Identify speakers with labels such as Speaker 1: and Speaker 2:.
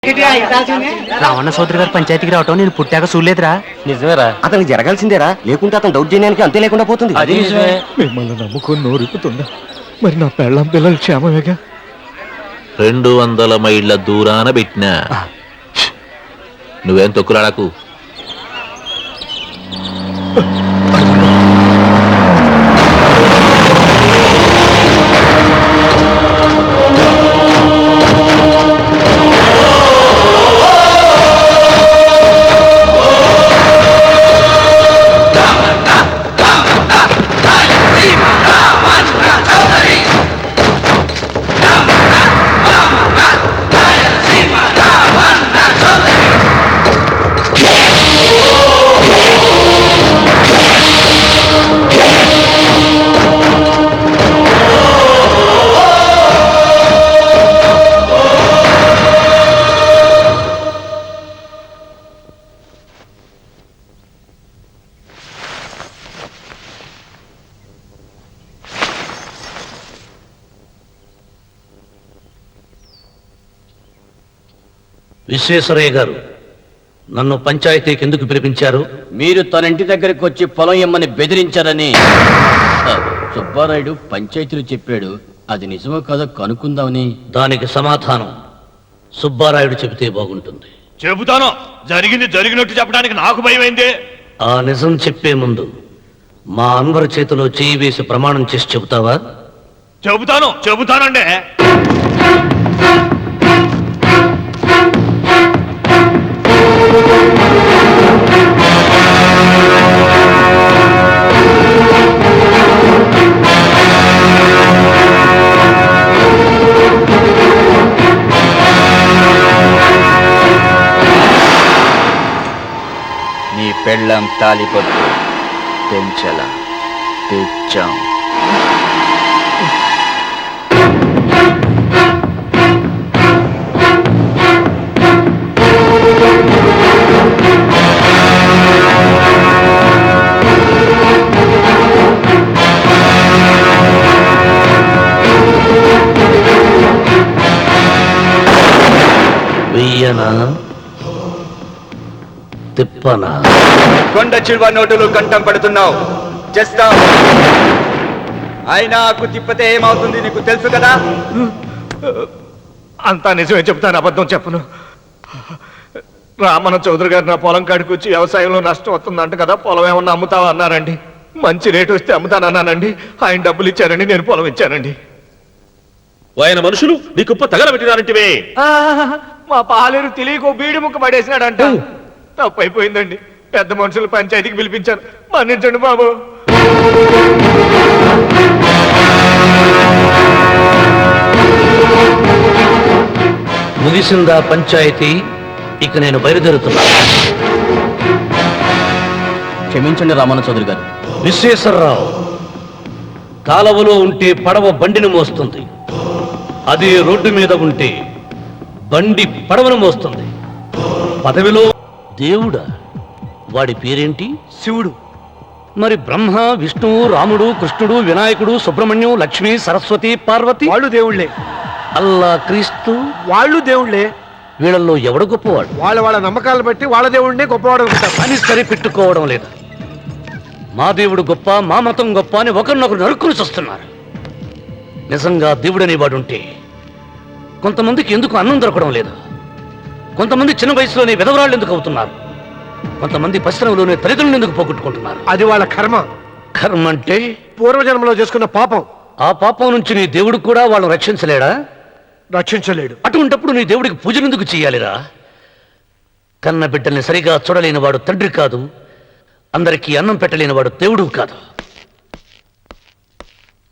Speaker 1: రావణ సోదరి గారు పంచాయతీకి రావటం నేను పుట్టాక చూడలేదురా.
Speaker 2: నిజమేరా,
Speaker 3: అతనికి జరగాల్సిందేరా, లేకుంటే అతను దౌర్జన్యానికి అంతే లేకుండా పోతుంది.
Speaker 2: అది నిజమే.
Speaker 4: మిమ్మల్ని నమ్ముకొని నోరిపుతుందా? మరి నా పెళ్ళం పిల్లలు క్షేమమేగా?
Speaker 5: 200 మైళ్ళ దూరాన పెట్టినా నువ్వేం తొక్కులాడకు.
Speaker 6: విశ్వేశ్వరయ్య గారు, నన్ను పంచాయతీకి ఎందుకు పిలిపించారు?
Speaker 2: మీరు తన ఇంటి దగ్గరికి వచ్చి పొలం ఇమ్మని బెదిరించారని సుబ్బారాయుడు పంచాయతీలో చెప్పాడు. అది నిజమో కాదో కనుక్కుందామని.
Speaker 6: దానికి సమాధానం సుబ్బారాయుడు చెబితే బాగుంటుంది.
Speaker 7: చెబుతాను. జరిగింది జరిగినట్టు చెప్పడానికి నాకు భయమైంది.
Speaker 6: ఆ నిజం చెప్పే ముందు మా అన్వర్ చేతిలో చేయి వేసి ప్రమాణం చేసి చెబుతావా?
Speaker 7: చెబుతానండి.
Speaker 2: నీ పెళ్ళం తాలిపొట్టు పెంచల తెచ్చాం.
Speaker 6: వెయ్యనా తిప్పనా?
Speaker 8: కొండ చిల్వ నోటులు కంఠం పడుతున్నావు. చేస్తావు. ఆయనకు తిప్పితే ఏమవుతుంది నీకు తెలుసు కదా.
Speaker 4: అంతా నిజమే చెప్తాను, అబద్ధం చెప్పను. రామన్న చౌదరి గారు నా పొలం కాడికి వచ్చి వ్యవసాయంలో నష్టం వస్తుందంట కదా, పొలం ఏమన్నా అమ్ముతావా అన్నారండి. మంచి రేటు వస్తే అమ్ముతానన్నానండి. ఆయన డబ్బులు ఇచ్చారండి, నేను పొలం ఇచ్చానండి.
Speaker 7: ఆయన మనుషులు నీ కుప్ప తగలబెట్టినారంటివే.
Speaker 4: మా పాలేరు తెలియకో బీడి ముక్క పడేసినాడంట. తప్పైపోయిందండి. పెద్ద మనుషులు పంచాయతీకి పిలిపించాను, మన్నించండి బాబు.
Speaker 6: ముగిసిందా పంచాయతీ? ఇక నేను బయలుదేరుతున్నా.
Speaker 2: క్షమించండి రామన్న చౌదరి గారు.
Speaker 6: విశ్వేశ్వరరావు, కాలవలో ఉంటే పడవ బండిని మోస్తుంది, అదే రోడ్డు మీద ఉంటే బండి పడవను మోస్తుంది. పదవిలో దేవుడా? వాడి పేరేంటి?
Speaker 4: శివుడు.
Speaker 6: మరి బ్రహ్మ, విష్ణువు, రాముడు, కృష్ణుడు, వినాయకుడు, సుబ్రహ్మణ్యం, లక్ష్మి, సరస్వతి, పార్వతి
Speaker 4: వాళ్ళు దేవుళ్లే.
Speaker 6: అల్లా, క్రీస్తు
Speaker 4: వాళ్ళు దేవుళ్లే.
Speaker 6: వీళ్ళల్లో ఎవడు గొప్పవాడు?
Speaker 4: వాళ్ళ నమ్మకాలను బట్టి వాళ్ళ దేవుడినే గొప్పవాడు
Speaker 6: అని సరిపెట్టుకోవడం లేదు. మా దేవుడు గొప్ప, మా మతం గొప్ప అని ఒకరినొకరు నరుక్కుని చూస్తున్నారు. నిజంగా దేవుడనే వాడుంటే కొంతమందికి ఎందుకు అన్నం దొరకడం లేదు? కొంతమంది చిన్న వయసులోనే విధవరాళ్ళు ఎందుకు అవుతున్నారు? కొంతమంది పరిశ్రమలోనే తల్లిదండ్రులు ఎందుకు పోగొట్టుకుంటున్నారు?
Speaker 4: అది వాళ్ళ కర్మ.
Speaker 6: కర్మ అంటే
Speaker 4: పూర్వజన్మలో చేసుకున్న పాపం.
Speaker 6: ఆ పాపం నుంచి నీ దేవుడు కూడా వాళ్ళని రక్షించలేడా?
Speaker 4: రక్షించలేడు.
Speaker 6: అటువంటప్పుడు నీ దేవుడికి పూజలు ఎందుకు చేయాలిరా? కన్న బిడ్డల్ని సరిగా చూడలేని వాడు తండ్రి కాదు, అందరికీ అన్నం పెట్టలేని వాడు దేవుడు కాదు.